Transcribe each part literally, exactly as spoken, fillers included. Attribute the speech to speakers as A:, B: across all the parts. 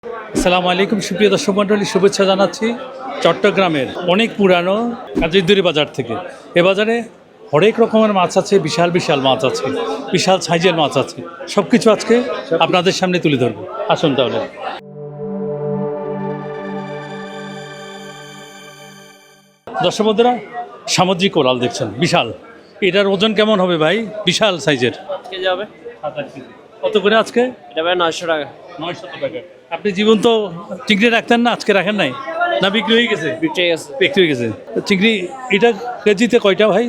A: আসসালামু আলাইকুম সুপ্রিয় দর্শক মণ্ডলী, শুভেচ্ছা জানাচ্ছি চট্টগ্রামের অনেক পুরানো কাজিরদুরি বাজার থেকে। এ বাজারে হরেক রকমের মাছ আছে, বিশাল বিশাল মাছ আছে, বিশাল সাইজের মাছ আছে। সব কিছু আজকে আপনাদের সামনে তুলে ধরবো। আসুন তাহলে। দর্শক বন্ধুরা, সামুদ্রিক কোরাল দেখছেন, বিশাল। এটার ওজন কেমন হবে ভাই? বিশাল সাইজের।
B: কেজি হবে
A: কত করে আজকে?
B: এটা ভাই নয়শো টাকা।
A: নয়শো টাকা। আপনি জীবন্ত চিংড়ি রাখতেন না, আজকে রাখেন নাই? না বিক্রি হয়ে গেছে?
B: বিক্রি গেছে।
A: বিক্রি হয়ে গেছে চিংড়ি। এটা কেজিতে কয়টা ভাই?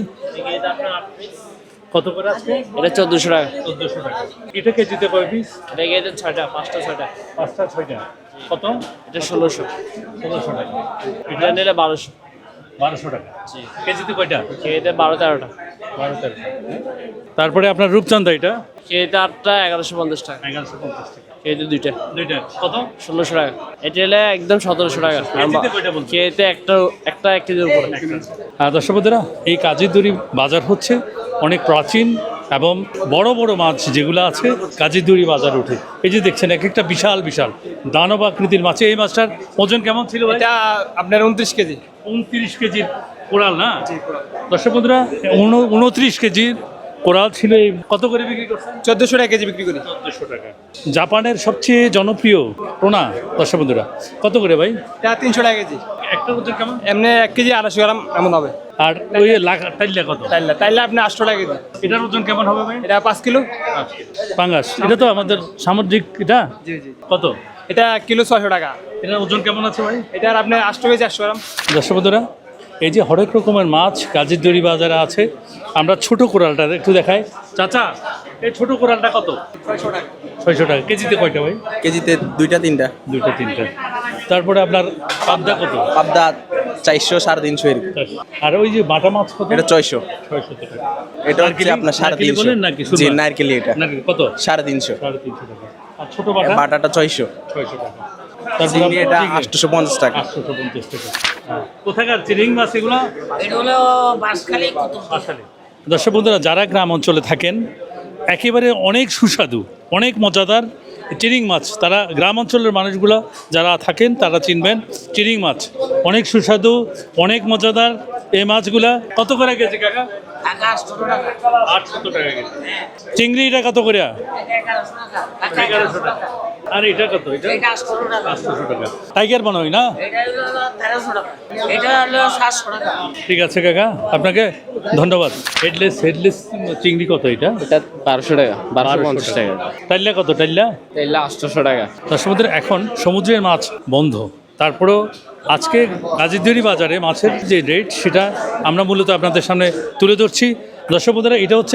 A: কত করে আজকে?
B: এটা চোদ্দোশো টাকা।
A: চোদ্দোশো টাকা। এটা কেজিতে কয় পিস?
B: এটা কেজিতে ছয়টা, পাঁচটা ছয়টা।
A: পাঁচটা ছয়টা। কত?
B: এটা ষোলোশো।
A: ষোলোশো টাকা।
B: এটা নিলে বারোশো।
A: বারোশো টাকা। কেজিতে কয়টা?
B: কেজিতে বারো তেরোটা।
A: বারো তেরোটা। তারপরে আপনার রূপচাঁদা, এটা
B: কেজিতে আটটা এগারোশো পঞ্চাশ টাকা।
A: এগারোশো পঞ্চাশ টাকা।
B: কেজিতে দুইটা।
A: দুইটা কত?
B: ষোলোশো টাকা। এটা হলে একদম সতেরোশো টাকা।
A: কেজিতে কয়টা বলছেন?
B: কেজিতে একটা একটা এক কেজির উপরে।
A: আর দর্শক বন্ধুরা, এই কাজিরদুরি বাজার হচ্ছে অনেক প্রাচীন এবং বড় বড় মাছ যেগুলো আছে কাজিরদুরি বাজার উঠে। এই যে দেখছেন এক একটা বিশাল বিশাল দানব আকৃতির মাছ। এই মাছটার ওজন কেমন ছিল ভাই?
B: এটা আপনার উনত্রিশ কেজি।
A: উনত্রিশ কেজির কোরাল না? দর্শক বন্ধুরা, উনত্রিশ কেজির কোরাল ছিল। এই কত করে বিক্রি করছেন?
B: চোদ্দোশো টাকা কেজি বিক্রি করি।
A: চোদ্দোশো টাকা। জাপানের সবচেয়ে জনপ্রিয় টোনা, দর্শক বন্ধুরা, কত করে ভাই?
B: এটা তিনশো টাকা কেজি।
A: একটা ওজন কেমন?
B: এমনি এক কেজি আড়াইশো গ্রাম এমন হবে।
A: আর ওই লাগা টাইলা কত?
B: তাইলে তাইলে আপনি আটশো টাকা কেজি।
A: এটার ওজন কেমন হবে ভাই?
B: এটা পাঁচ কিলো।
A: পাঙ্গাস, এটা তো আমাদের সামুদ্রিক। এটা
B: জি জি।
A: কত?
B: এটা কিলো ছয়শো টাকা।
A: এটার ওজন কেমন আছে ভাই?
B: এটার আপনার আটশো কেজি একশো গ্রাম।
A: দর্শক বন্ধুরা, এই যে হরেক রকমের মাছ কাজিরদুরি বাজারে আছে। আমরা ছোট কোরালটা একটু দেখাই। চাচা, এই ছোট কোরালটা কত?
B: ছয়শো টাকা।
A: ছয়শো টাকা। কেজিতে কয়টা ভাই?
C: কেজিতে দুইটা তিনটা।
A: দুইটা তিনটা। তারপরে আপনার পাবদা কত?
C: পাবদা চারশো সাড়ে তিনশো এরকম।
A: আর ওই যে বাটা মাছ কত?
C: এটা ছয়শো।
A: ছয়শো টাকা।
C: এটা হচ্ছে আপনার সাড়ে
A: নারকেলি
C: তিনশো।
A: বলেন নাকি?
C: জি নারকেলি। এটা
A: নাকি কত?
C: সাড়ে তিনশো।
A: সাড়ে তিনশো টাকা। আর ছোট বাটা?
C: বাটাটা ছয়শো।
A: ছয়শো টাকা।
C: চিংড়ি এটা
A: চিংড়ি?
C: আটশোশো পঞ্চাশ টাকা।
A: আটশোশো পঞ্চাশ টাকা। হ্যাঁ। কোথাকার চিরিং মাছ এগুলো?
D: এগুলো বাঁশখালী কত
A: আসলে দর্শক বন্ধুরা, যারা গ্রাম অঞ্চলে থাকেন, একেবারে অনেক সুস্বাদু, অনেক মজাদার চিরিং মাছ। তারা গ্রাম অঞ্চলের মানুষগুলো যারা থাকেন তারা চিনবেন। চিরিং মাছ অনেক সুস্বাদু, অনেক মজাদার। এই মাছগুলা কত করে গেছে কাকা?
D: টাকা আটশো টাকা।
A: আটশো টাকা গেছে। চিংড়িটা কত করে?
D: এটা এগারোশো টাকা। টাকা
A: এগারোশো টাকা। আর এটা কত? এটা
D: এটা আটশো টাকা।
A: আটশোশো টাকা। টাইগার বানোই না?
D: এটা হলো তেরোশো টাকা। এটা হলো সাতশো টাকা।
A: ঠিক আছে কাকা, আপনাকে ধন্যবাদ। হেডলেস হেডলেস চিংড়ি কত এটা?
B: এটা বারোশো টাকা। বারোশো পঞ্চাশ টাকা।
A: টাইল্লা কত? টাইল্লা
B: তাইলে আটশোশো টাকা।
A: তার সমুদ্রে এখন সমুদ্রের মাছ বন্ধ, তারপরেও আজকে কাজিরদুরি বাজারে মাছের যে রেট সেটা আমরা মূলত আপনাদের সামনে তুলে ধরছি। দর্শক বন্ধুরা, এটা হচ্ছে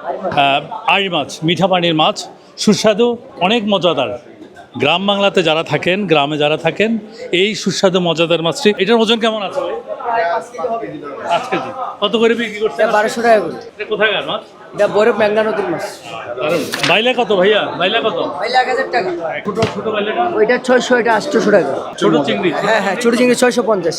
A: আড়ি মাছ, মিঠা পানির মাছ, সুস্বাদু, অনেক মজাদার। গ্রাম বাংলাতে যারা থাকেন, গ্রামে যারা থাকেন, এই সুস্বাদু মজাদার মাছটি। এটার ওজন কেমন আছে ভাই? পাঁচ কেজি। কত করে বিক্রি করছে?
D: বারোশো টাকা করে।
A: এটা কোথাকার মাছ?
D: এটা বরফ মেঘনা নদীর মাছ।
A: বাইলা কত ভাইয়া? বাইলা কত?
D: পাইলে এক হাজার টাকা।
A: ছোট ছোট বাইলাটা?
D: ওইটা ছয়শো, এটা আটশোশো টাকা।
A: ছোট চিংড়ি?
D: হ্যাঁ হ্যাঁ, ছোটো চিংড়ি ছয়শো পঞ্চাশ।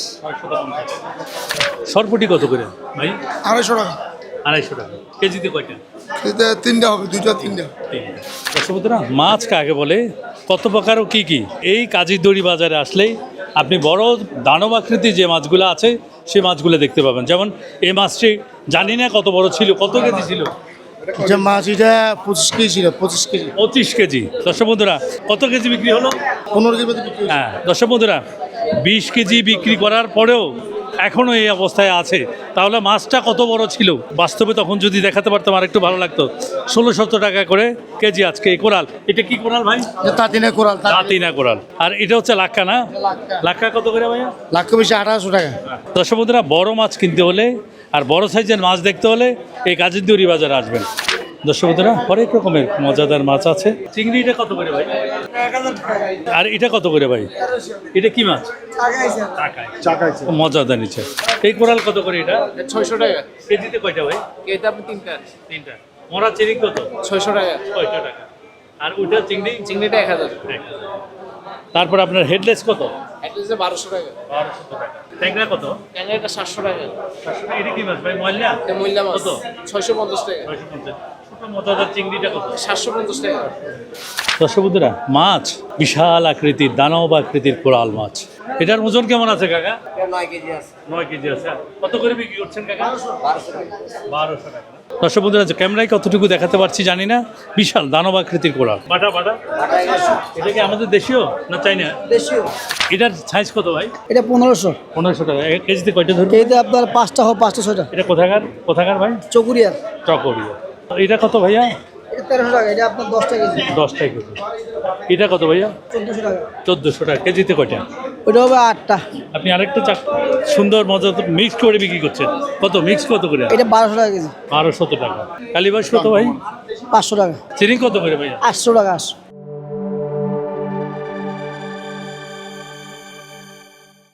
A: সরপুটি কত করে ভাই?
E: আড়াইশো টাকা।
A: আড়াইশো টাকা। কেজিতে কয়টা?
E: এতে তিনটা হবে, দুইটা তিনটা।
A: দর্শকবন্ধুরা, মাছ কাকে বলে, কত প্রকার ও কী কী, এই কাজিরদুরি বাজারে আসলেই আপনি বড় দানব আকৃতির যে মাছগুলো আছে সেই মাছগুলো দেখতে পাবেন। যেমন এই মাছটি জানি না কত বড় ছিল, কত কেজি ছিল?
E: যে মাছ এটা পঁচিশ কেজি ছিল, পঁচিশ কেজি।
A: পঁচিশ কেজি। দর্শক বন্ধুরা, কত কেজি বিক্রি হলো?
E: পনেরো কেজি মতো বিক্রি হয়েছে।
A: হ্যাঁ দর্শক বন্ধুরা, বিশ কেজি বিক্রি করার পরেও এখনও এই অবস্থায় আছে। তাহলে মাছটা কত বড় ছিল বাস্তবে, তখন যদি দেখাতে পারতাম আর একটু ভালো লাগতো। ষোলো সত্তর টাকা করে কেজি আজকে এই কোরাল। এটা কি কোরাল ভাই?
E: তাঁতিনা কোরাল।
A: দাঁতিনা কোরাল। আর এটা হচ্ছে লাক্কা না? লাক্কা কত করে ভাইয়া?
E: লাখ বেশি আঠারোশো টাকা।
A: দর্শক বন্ধুরা, বড় মাছ কিনতে হলে আর বড় সাইজের মাছ দেখতে হলে এই কাজিরদুরি বাজারে আসবেন। দর্শক বন্ধুরা, হরেক রকমের মজাদার মাছ আছে। চিংড়িটা কত করে ভাই? আর এটা কত করে ভাই? এটা কি মাছ? মজাদার নিচে। এই কোরাল কত করে? এটা
B: ছয়শো টাকা।
A: কেজিতে কয়টা ভাই?
B: এটা আপনি তিনটা।
A: তিনটা। মরা চিংড়ি কত?
B: ছয়শো টাকা।
A: ছয়শো টাকা। আর ওইটা চিংড়ি?
B: চিংড়িটা এক হাজার।
A: তারপর আপনার হেডলেস কত?
B: এক কেজিতে বারোশো টাকা।
A: বারোশো টাকা। ট্যাংরা কত?
B: ক্যাংরাটা সাতশো টাকা।
A: এটা কি মাছ ভাই? ময়লা?
B: এটা মূল্য মাছ
A: কত?
B: ছয়শো পঞ্চাশ টাকা।
A: ছয়শো পঞ্চাশ। ছোট মজাদার চিংড়িটা কত?
B: সাতশো পঞ্চাশ টাকা।
A: দর্শক বন্ধুরা, মাছ বিশাল আকৃতির, দানব আকৃতির কোরাল মাছ। এটার ওজন কেমন আছে কাকা?
D: নয় কেজি আছে।
A: নয় কেজি আছে। কত করে বিক্রি করছেন কাকা? বারোশো টাকা। দর্শক বন্ধুরা, যে ক্যামেরায় কতটুকু দেখাতে পারছি জানি না, বিশাল দানব আকৃতির কোরাল। বাটা বাটা এটা কি আমাদের দেশীয় না চাইনা?
F: দেশীয়।
A: এটার সাইজ কত ভাই?
F: এটা পনেরোশো।
A: পনেরোশো টাকা। এক কেজিতে কয়টা ধরবে?
F: কেজিতে আপনার পাঁচটা হোক, পাঁচটা ছয়টা।
A: এটা কোথাকার কোথাকার ভাই?
F: চকুরিয়া।
A: চকরিয়া। এটা কত ভাইয়া?
F: এটা তেরোশো টাকা, এটা আপনার দশটা কেজি।
A: দশটা কেজি। এটা কত ভাইয়া?
F: চোদ্দোশো টাকা।
A: চোদ্দোশো টাকা। কেজিতে কয়টা?
F: ওটা হবে আটটা।
A: আপনি আরেকটা চাক সুন্দর মজা মিক্স করে বিক্রি করছেন। কত মিক্স কত করে?
F: এটা বারোশো টাকা কেজি।
A: বারোশত টাকা। কালীবাস কত ভাই?
F: পাঁচশো টাকা।
A: চিনি কত করে ভাইয়া?
F: আটশো টাকা। আটশো।